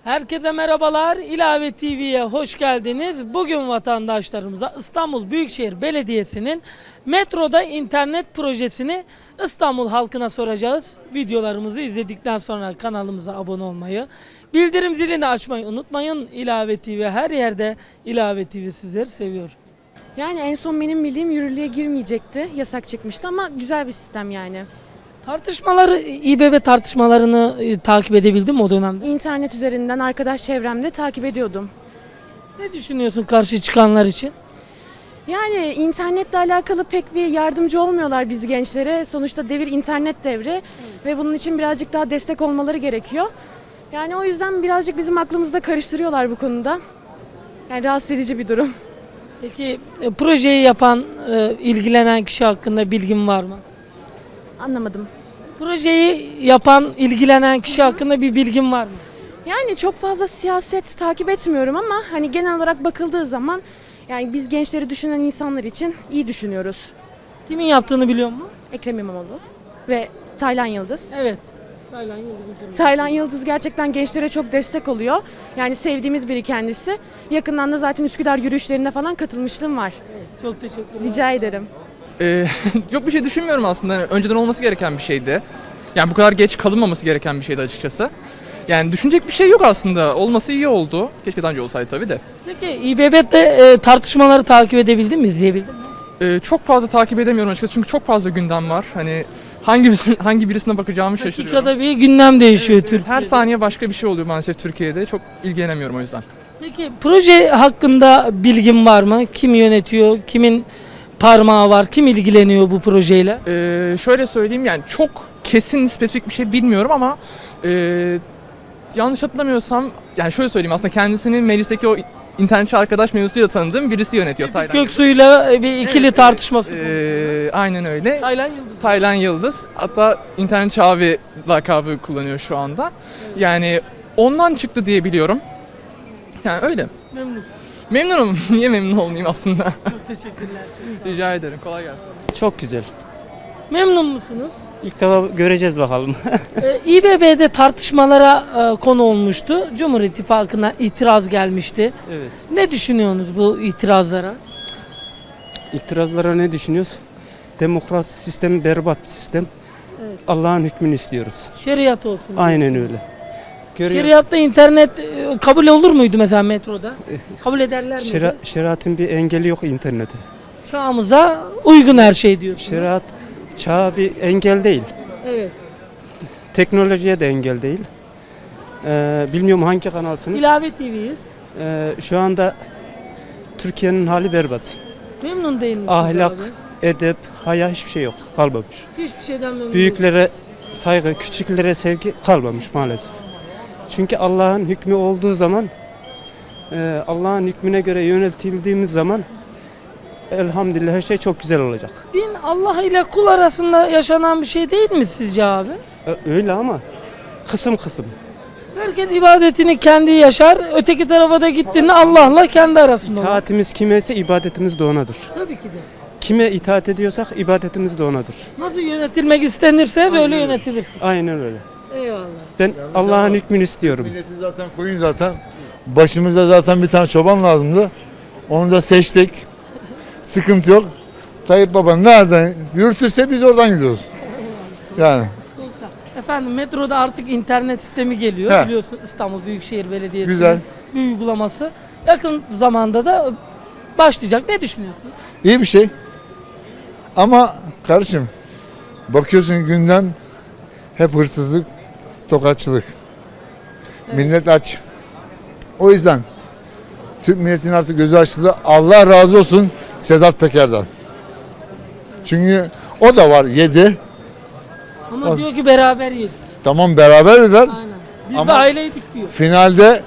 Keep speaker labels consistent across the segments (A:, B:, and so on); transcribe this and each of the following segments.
A: Herkese merhabalar. İlave TV'ye hoş geldiniz. Bugün vatandaşlarımıza İstanbul Büyükşehir Belediyesi'nin metroda internet projesini İstanbul halkına soracağız. Videolarımızı izledikten sonra kanalımıza abone olmayı, bildirim zilini açmayı unutmayın. İlave TV her yerde. İlave TV sizleri seviyor.
B: Yani en son benim bildiğim yürürlüğe girmeyecekti. Yasak çıkmıştı ama güzel bir sistem yani.
A: Tartışmaları, İBB tartışmalarını takip edebildin mi o dönemde?
B: İnternet üzerinden arkadaş çevremde takip ediyordum.
A: Ne düşünüyorsun karşı çıkanlar için?
B: Yani internetle alakalı pek bir yardımcı olmuyorlar biz gençlere. Sonuçta devir internet devri ve bunun için birazcık daha destek olmaları gerekiyor. Yani o yüzden birazcık bizim aklımızda karıştırıyorlar bu konuda. Yani rahatsız edici bir durum.
A: Peki projeyi yapan, ilgilenen kişi hakkında bilgin var mı?
B: Anlamadım.
A: Projeyi yapan, ilgilenen kişi hakkında bir bilgin var mı?
B: Yani çok fazla siyaset takip etmiyorum ama hani genel olarak bakıldığı zaman yani biz gençleri düşünen insanlar için iyi düşünüyoruz.
A: Kimin yaptığını biliyor musun?
B: Ekrem İmamoğlu ve Taylan Yıldız.
A: Evet.
B: Taylan Yıldız gerçekten gençlere çok destek oluyor. Yani sevdiğimiz biri kendisi. Yakından da zaten Üsküdar yürüyüşlerine falan katılmışlığım var.
A: Çok teşekkürler.
B: Rica ederim.
C: Yok bir şey düşünmüyorum aslında. Yani önceden olması gereken bir şeydi. Yani bu kadar geç kalınmaması gereken bir şeydi açıkçası. Yani düşünecek bir şey yok aslında. Olması iyi oldu. Keşke daha önce olsaydı tabii de.
A: Peki İBB'de tartışmaları takip edebildin mi, izleyebildin mi?
C: Çok fazla takip edemiyorum açıkçası çünkü çok fazla gündem var. Hani hangi birisine bakacağımı şaşırıyorum.
A: Dakikada bir gündem değişiyor Türkiye'de.
C: Her saniye başka bir şey oluyor maalesef Türkiye'de. Çok ilgilenemiyorum o yüzden.
A: Peki proje hakkında bilgin var mı? Kim yönetiyor, kimin parmağı var, kim ilgileniyor bu projeyle?
C: Şöyle söyleyeyim yani çok kesin spesifik bir şey bilmiyorum ama yanlış hatırlamıyorsam yani şöyle söyleyeyim aslında kendisinin meclisteki o internetçi arkadaş mevzusuyla tanıdığım birisi yönetiyor. Taylan
A: Göksu'yla bir ikili
C: Evet,
A: tartışması.
C: aynen öyle.
A: Taylan Yıldız.
C: Taylan Yıldız hatta internetçi abi lakabı kullanıyor şu anda. Yani ondan çıktı diye biliyorum. Yani öyle.
A: Memnun.
C: Memnunum. Niye memnun olmayayım aslında?
A: Çok teşekkürler.
C: Rica ederim. Kolay gelsin.
D: Çok güzel.
A: Memnun musunuz?
D: İlk defa göreceğiz bakalım.
A: İBB'de tartışmalara konu olmuştu. Cumhur İttifakı'na itiraz gelmişti.
D: Evet.
A: Ne düşünüyorsunuz bu itirazlara?
D: İtirazlara ne düşünüyoruz? Demokrasi sistemi berbat bir sistem.
A: Evet.
D: Allah'ın hükmünü istiyoruz.
A: Şeriat olsun.
D: Aynen öyle. Görüyoruz.
A: Şeriatta internet kabul olur muydu mesela metroda? Kabul ederler miydi?
D: Şeriatın bir engeli yok internete.
A: Çağımıza uygun her şey diyorsunuz.
D: Şeriat çağa bir engel değil.
A: Evet.
D: Teknolojiye de engel değil. Bilmiyorum hangi kanalsınız.
A: İlave TV'yiz.
D: Şu anda Türkiye'nin hali berbat.
A: Memnun değil misiniz
D: Ahlak,
A: abi?
D: edep, haya hiçbir şey yok. Kalmamış.
A: Hiçbir şeyden memnun değilim.
D: Büyüklere saygı, küçüklere sevgi kalmamış maalesef. Çünkü Allah'ın hükmü olduğu zaman, Allah'ın hükmüne göre yöneltildiğimiz zaman elhamdülillah her şey çok güzel olacak.
A: Din Allah ile kul arasında yaşanan bir şey değil mi sizce abi?
D: Öyle ama kısım kısım.
A: Herkes ibadetini kendi yaşar, öteki tarafa da gittiğinde Allah'la kendi arasında olur.
D: İtaatimiz kimeyse ibadetimiz de onadır.
A: Tabii ki de.
D: Kime itaat ediyorsak ibadetimiz de onadır.
A: Nasıl yönetilmek istenirse öyle
D: öyle.
A: yönetilir.
D: Aynen öyle.
A: Eyvallah.
D: Ben Allah'ın hükmünü istiyorum.
E: Milleti zaten koyun zaten. Başımıza zaten bir tane çoban lazımdı. Onu da seçtik. Sıkıntı yok. Tayyip Baba nereden yürütürse biz oradan gidiyoruz. Yani.
A: Efendim metroda artık internet sistemi geliyor.
E: He.
A: Biliyorsun İstanbul Büyükşehir Belediyesi'nin
E: Güzel.
A: bir uygulaması. Yakın zamanda da başlayacak. Ne düşünüyorsunuz?
E: İyi bir şey. Ama kardeşim bakıyorsun gündem hep hırsızlık, tokatçılık. Millet aç. O yüzden Türk milletinin artık gözü açıldı. Allah razı olsun Sedat Peker'den. Çünkü o da var yedi.
A: Ama diyor ki beraber yedik.
E: Tamam beraber eder.
A: Aynen. Biz
E: Ama-
A: de aileydik diyor.
E: Finalde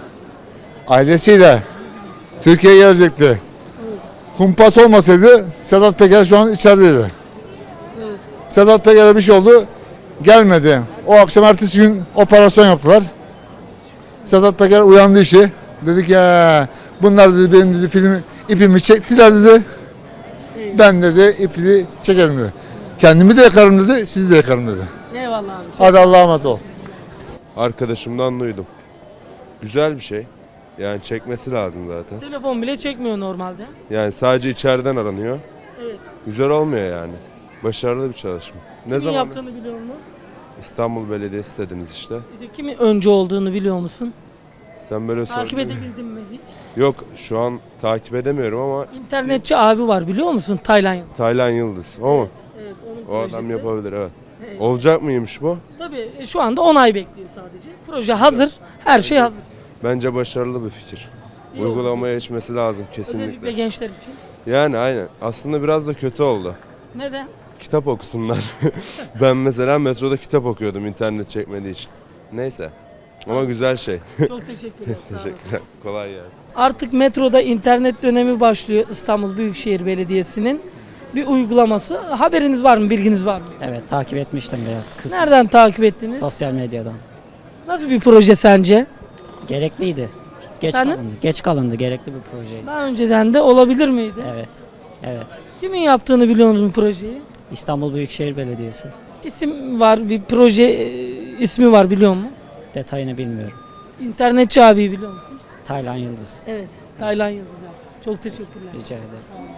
E: ailesiyle Türkiye'ye gelecekti. Kumpas olmasaydı Sedat Peker şu an içerideydi. Sedat Peker'e bir şey oldu. Gelmedi. O akşam ertesi gün operasyon yaptılar. Sedat Peker uyandı işi. Dedik ya bunlar dedi benim dedi filmi ipimi çektiler dedi. Ben dedi ipini çekerim dedi. Kendimi de yakarım dedi, sizi de yakarım dedi.
A: Eyvallah abi.
E: Hadi Allah'a emanet ol.
F: Arkadaşımdan duydum. Güzel bir şey. Yani çekmesi lazım zaten.
A: Telefon bile çekmiyor normalde.
F: Yani sadece içeriden aranıyor.
A: Evet.
F: Güzel olmuyor yani. Başarılı bir çalışma. Ne
A: Kimin
F: zaman?
A: yaptığını biliyor musun?
F: İstanbul Belediyesi dediniz işte.
A: İşte kimin önce olduğunu biliyor musun?
F: Sen böyle
A: Takip
F: sordun.
A: edebildin mi hiç?
F: Yok şu an takip edemiyorum ama
A: İnternetçi abi var biliyor musun? Tayland.
F: Taylan Yıldız. O mu?
A: Evet, onun
F: O adam
A: projesi.
F: yapabilir evet.
A: Evet.
F: Olacak mıymış bu?
A: Tabii şu anda onay bekliyor sadece. Proje hazır, her şey hazır.
F: Bence başarılı bir fikir.
A: İyi oldu.
F: Uygulamaya geçmesi lazım
A: Özellikle
F: kesinlikle.
A: gençler için.
F: Yani aynen. Aslında biraz da kötü oldu.
A: Neden?
F: Kitap okusunlar. Ben mesela metroda kitap okuyordum internet çekmediği için. Neyse. Ama güzel şey.
A: Çok teşekkürler. sağ olun.
F: Teşekkürler. Kolay gelsin.
A: Artık metroda internet dönemi başlıyor İstanbul Büyükşehir Belediyesi'nin bir uygulaması. Haberiniz var mı, bilginiz var mı?
G: Evet, takip etmiştim biraz kısmı.
A: Nereden takip ettiniz?
G: Sosyal medyadan.
A: Nasıl bir proje sence?
G: Gerekliydi. Geç
A: Efendim?
G: kalındı. Geç kalındı. Gerekli bir projeydi.
A: Daha önceden de olabilir miydi?
G: Evet. Evet.
A: Kimin yaptığını biliyor musun projeyi?
G: İstanbul Büyükşehir Belediyesi.
A: İsim var, bir proje ismi var biliyor musun?
G: Detayını bilmiyorum.
A: İnternetçi abiyi biliyor musun?
G: Taylan Yıldız.
A: Evet. Taylan Yıldız abi. Çok teşekkürler.
G: Rica ederim.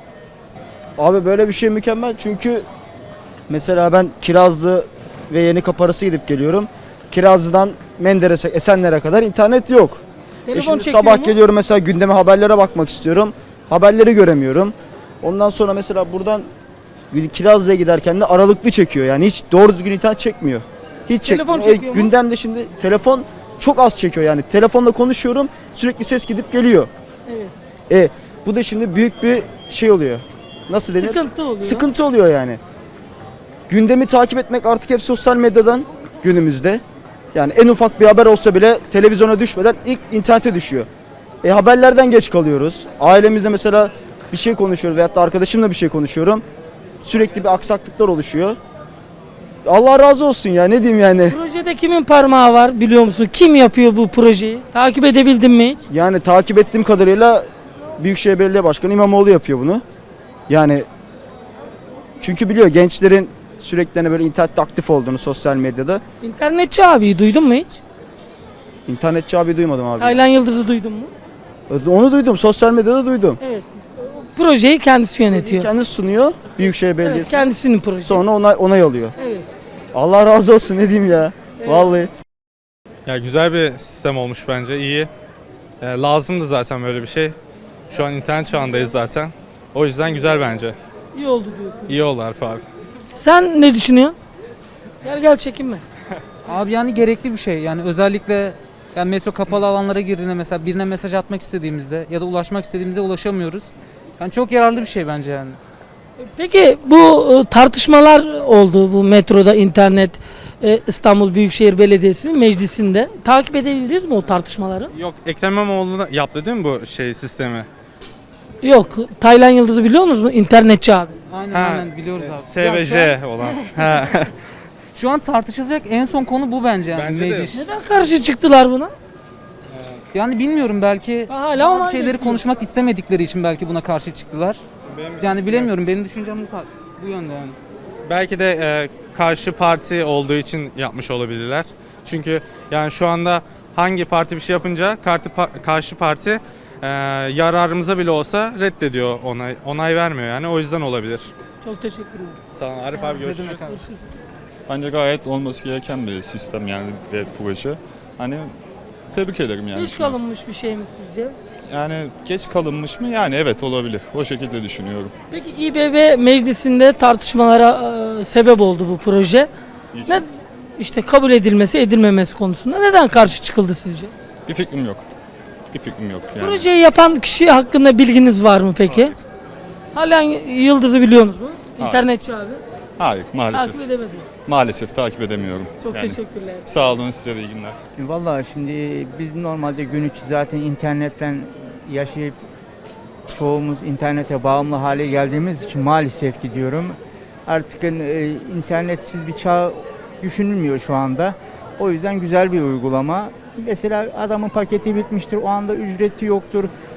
H: Abi böyle bir şey mükemmel çünkü mesela ben Kirazlı ve Yenikapı arası gidip geliyorum. Kirazlı'dan Menderes'e, Esenler'e kadar internet yok.
A: Telefon
H: Şimdi
A: çekiyor
H: sabah
A: mu?
H: geliyorum mesela gündeme haberlere bakmak istiyorum. Haberleri göremiyorum. Ondan sonra mesela buradan Kirazlı'ya giderken de aralıklı çekiyor. Yani hiç doğru düzgün internet çekmiyor. Hiç
A: Telefon
H: çekmiyor.
A: çekiyor mu?
H: Gündemde şimdi telefon çok az çekiyor yani. Telefonla konuşuyorum sürekli ses gidip geliyor.
A: Evet.
H: Bu da şimdi büyük bir şey oluyor. Nasıl denir?
A: Sıkıntı oluyor.
H: Sıkıntı oluyor yani. Gündemi takip etmek artık hep sosyal medyadan günümüzde. Yani en ufak bir haber olsa bile televizyona düşmeden ilk internete düşüyor. Haberlerden geç kalıyoruz. Ailemizde mesela bir şey konuşuyoruz veyahut da arkadaşımla bir şey konuşuyorum. Sürekli bir aksaklıklar oluşuyor. Allah razı olsun ya ne diyeyim yani.
A: Projede kimin parmağı var biliyor musun? Kim yapıyor bu projeyi? Takip edebildin mi hiç?
H: Yani takip ettiğim kadarıyla Büyükşehir Belediye Başkanı İmamoğlu yapıyor bunu. Yani çünkü biliyor gençlerin sürekli hani böyle internette aktif olduğunu sosyal medyada.
A: İnternetçi abiyi duydun mu hiç?
H: İnternetçi abi duymadım abi.
A: Taylan Yıldız'ı duydun mu?
H: Onu duydum. Sosyal medyada duydum.
A: Evet. Projeyi kendisi yönetiyor.
H: Kendisi sunuyor Büyükşehir
A: Evet,
H: Belediyesi.
A: kendisinin projesi.
H: Sonra onay alıyor.
A: Evet.
H: Allah razı olsun ne diyeyim ya. Vallahi.
I: Ya güzel bir sistem olmuş bence, iyi. Lazımdı zaten böyle bir şey. Şu an internet çağındayız zaten. O yüzden güzel bence.
A: İyi oldu diyorsun.
I: İyi oldu Arif abi.
A: Sen ne düşünüyorsun? Gel çekinme.
J: Abi yani gerekli bir şey. Yani özellikle yani metro kapalı alanlara girdiğinde mesela birine mesaj atmak istediğimizde ya da ulaşmak istediğimizde ulaşamıyoruz. Yani çok yararlı bir şey bence yani.
A: Peki bu tartışmalar oldu bu metroda internet İstanbul Büyükşehir Belediyesi'nin meclisinde. Takip edebildiniz mi o tartışmaları?
I: Yok, Ekrem İmamoğlu yaptı değil mi bu sistemi?
A: Yok. Taylan Yıldız'ı biliyor musunuz? İnternetçi abi.
J: Aynen
I: Ha,
J: aynen biliyoruz abi.
I: SVJ olan. Ha.
J: Şu an tartışılacak en son konu bu bence yani
I: Bence de.
J: meclis.
A: Neden karşı çıktılar buna?
J: Yani bilmiyorum belki
A: Hala onay
J: bazı şeyleri
A: bekliyor.
J: konuşmak istemedikleri için belki buna karşı çıktılar. Yani bilemiyorum benim düşüncem bu yönde yani.
I: Belki de karşı parti olduğu için yapmış olabilirler. Çünkü yani şu anda hangi parti bir şey yapınca karşı parti yararımıza bile olsa reddediyor, onay vermiyor yani, o yüzden olabilir.
A: Çok teşekkürler.
I: Sağ olun Arif abi, görüşürüz.
K: Bence gayet olması gereken bir sistem yani ve proje. Hani tebrik ederim yani.
A: Geç kalınmış bir şey mi sizce?
K: Yani geç kalınmış mı? Yani evet olabilir. O şekilde düşünüyorum.
A: Peki İBB meclisinde tartışmalara sebep oldu bu proje.
K: Niçin?
A: Ne işte kabul edilmesi edilmemesi konusunda neden karşı çıkıldı sizce?
K: Bir fikrim yok. Bir fikrim yok yani.
A: Projeyi yapan kişi hakkında bilginiz var mı peki? Hala Yıldız'ı biliyor musunuz?
K: Hayır.
A: İnternetçi abi.
K: Hayır maalesef.
A: Takip edemediniz.
K: Maalesef takip edemiyorum.
A: Çok
K: Yani
A: teşekkürler.
K: Sağ olun, size de iyi günler.
L: Vallahi şimdi biz normalde gün içi zaten internetten yaşayıp çoğumuz internete bağımlı hale geldiğimiz için maalesef ki diyorum artık internetsiz bir çağ düşünülmüyor şu anda. O yüzden güzel bir uygulama. Mesela adamın paketi bitmiştir, o anda ücreti yoktur.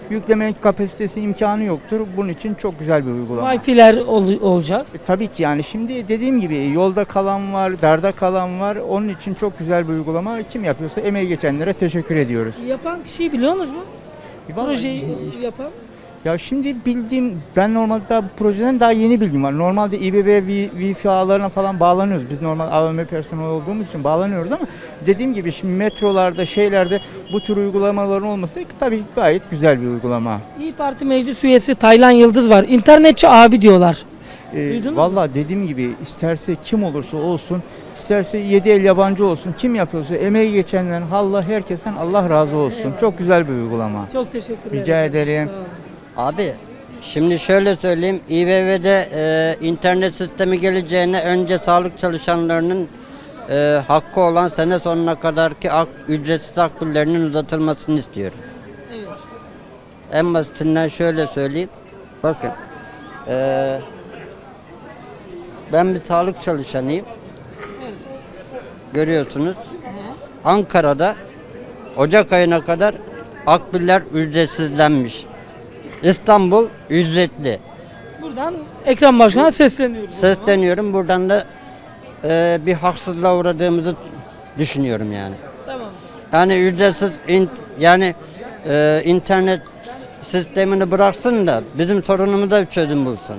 L: Yükleme kapasitesi imkanı yoktur. Bunun için çok güzel bir uygulama.
A: Wi-Fi'ler olacak.
L: Tabii ki yani şimdi dediğim gibi yolda kalan var, darda kalan var. Onun için çok güzel bir uygulama. Kim yapıyorsa emeği geçenlere teşekkür ediyoruz.
A: Yapan kişiyi biliyor musunuz?
L: Vallahi-
A: Projeyi yapan.
L: Ya şimdi bildiğim, ben normalde daha bu projeden daha yeni bilgim var. Normalde İBB Wi-Fi ağlarına falan bağlanıyoruz. Biz normal AVM personeli olduğumuz için bağlanıyoruz ama dediğim gibi şimdi metrolarda, şeylerde bu tür uygulamaların olması tabii gayet güzel bir uygulama.
A: İyi Parti meclis üyesi Taylan Yıldız var. İnternetçi abi diyorlar. Duydun mu?
L: Vallahi dediğim gibi isterse kim olursa olsun, isterse 7 el yabancı olsun, kim yapıyorsa emeği geçenlerin, herkesten Allah razı olsun.
A: Eyvallah.
L: Çok güzel bir uygulama.
A: Çok teşekkür ederim.
L: Rica ederim.
A: Sağ olun.
M: Abi şimdi şöyle söyleyeyim, İBB'de internet sistemi geleceğine önce sağlık çalışanlarının hakkı olan sene sonuna kadarki ücretsiz akbillerinin uzatılmasını istiyorum.
A: Evet.
M: En basitinden şöyle söyleyeyim, bakın ben bir sağlık çalışanıyım, görüyorsunuz. Ankara'da Ocak ayına kadar akbiller ücretsizlenmiş. İstanbul ücretli.
A: Buradan Ekrem Başkan'a sesleniyoruz.
M: Sesleniyorum. Buradan da bir haksızlığa uğradığımızı düşünüyorum yani.
A: Tamam.
M: Yani ücretsiz internet sistemini bıraksın da bizim sorunumuza bir çözüm bulsun.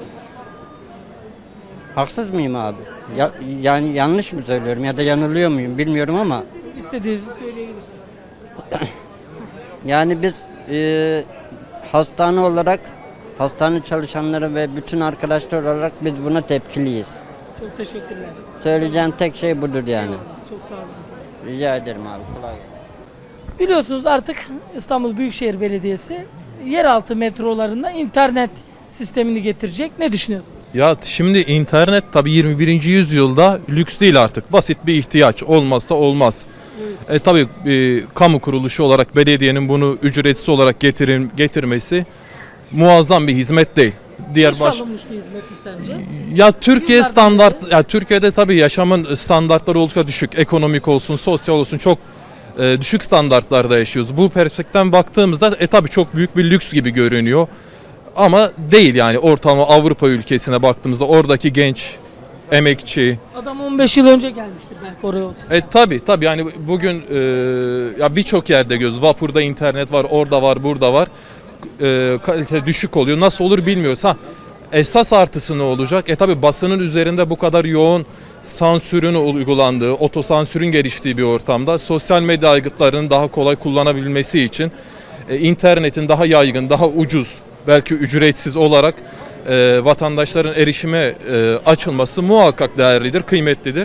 M: Haksız mıyım abi? Yani yanlış mı söylüyorum ya da yanılıyor muyum bilmiyorum ama
A: İstediğinizi söyleyebilirsiniz.
M: yani biz hastane olarak, hastane çalışanları ve bütün arkadaşlar olarak biz buna tepkiliyiz.
A: Çok teşekkürler.
M: Söyleyeceğim tek şey budur yani.
A: Çok sağ olun.
M: Rica ederim abi. Kolay gelsin.
A: Biliyorsunuz artık İstanbul Büyükşehir Belediyesi yeraltı metrolarında internet sistemini getirecek. Ne düşünüyorsunuz?
N: Ya şimdi internet tabii 21. yüzyılda lüks değil artık. Basit bir ihtiyaç. Olmazsa olmaz. Tabii kamu kuruluşu olarak belediyenin bunu ücretsiz olarak getirmesi muazzam bir hizmet değil.
A: Geç kalınmış bir hizmet mi sence?
N: Ya Türkiye Türkiye'de tabii yaşamın standartları oldukça düşük. Ekonomik olsun, sosyal olsun çok düşük standartlarda yaşıyoruz. Bu perspektiften baktığımızda tabii çok büyük bir lüks gibi görünüyor. Ama değil yani ortalama Avrupa ülkesine baktığımızda oradaki genç, emekçi.
A: Adam 15 yıl önce gelmiştir belki oraya olsun.
N: Tabii yani bugün ya birçok yerde göz vapurda internet var, orada var, burada var. Kalite düşük oluyor. Nasıl olur bilmiyoruz. Esas artısı ne olacak? Tabii basının üzerinde bu kadar yoğun sansürün uygulandığı, otosansürün geliştiği bir ortamda sosyal medya aygıtlarının daha kolay kullanabilmesi için internetin daha yaygın, daha ucuz, belki ücretsiz olarak vatandaşların erişime açılması muhakkak değerlidir, kıymetlidir.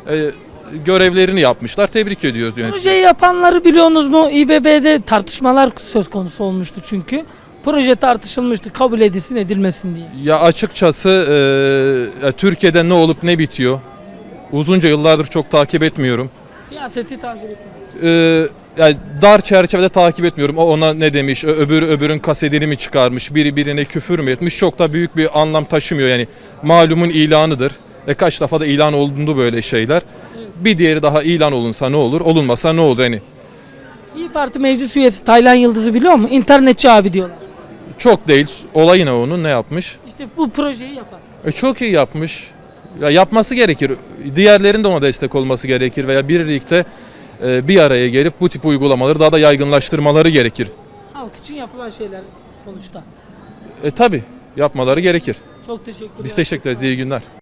N: Görevlerini yapmışlar. Tebrik ediyoruz yöneticileri.
A: Projeyi yapanları biliyorsunuz mu? İBB'de tartışmalar söz konusu olmuştu çünkü. Proje tartışılmıştı kabul edilsin edilmesin diye.
N: Ya açıkçası Türkiye'de ne olup ne bitiyor? Uzunca yıllardır çok takip etmiyorum.
A: Siyaseti takip etmiyor.
N: Yani dar çerçevede takip etmiyorum. O ona ne demiş, öbürün kasetini mi çıkarmış, biri birine küfür mü etmiş çok da büyük bir anlam taşımıyor. Yani malumun ilanıdır. Kaç defa da ilan olundu böyle şeyler. Bir diğeri daha ilan olunsa ne olur, olunmasa ne olur hani.
A: İyi Parti meclis üyesi Taylan Yıldız'ı biliyor mu? İnternetçi abi diyorlar.
N: Çok değil. Olayı ne onun, ne yapmış?
A: İşte bu projeyi yapan.
N: Çok iyi yapmış. Ya yapması gerekir. Diğerlerinin de ona destek olması gerekir veya birlikte bir araya gelip bu tip uygulamaları daha da yaygınlaştırmaları gerekir.
A: Halk için yapılan şeyler sonuçta.
N: Tabii yapmaları gerekir.
A: Çok teşekkürler.
N: Biz teşekkür ederiz. İyi günler.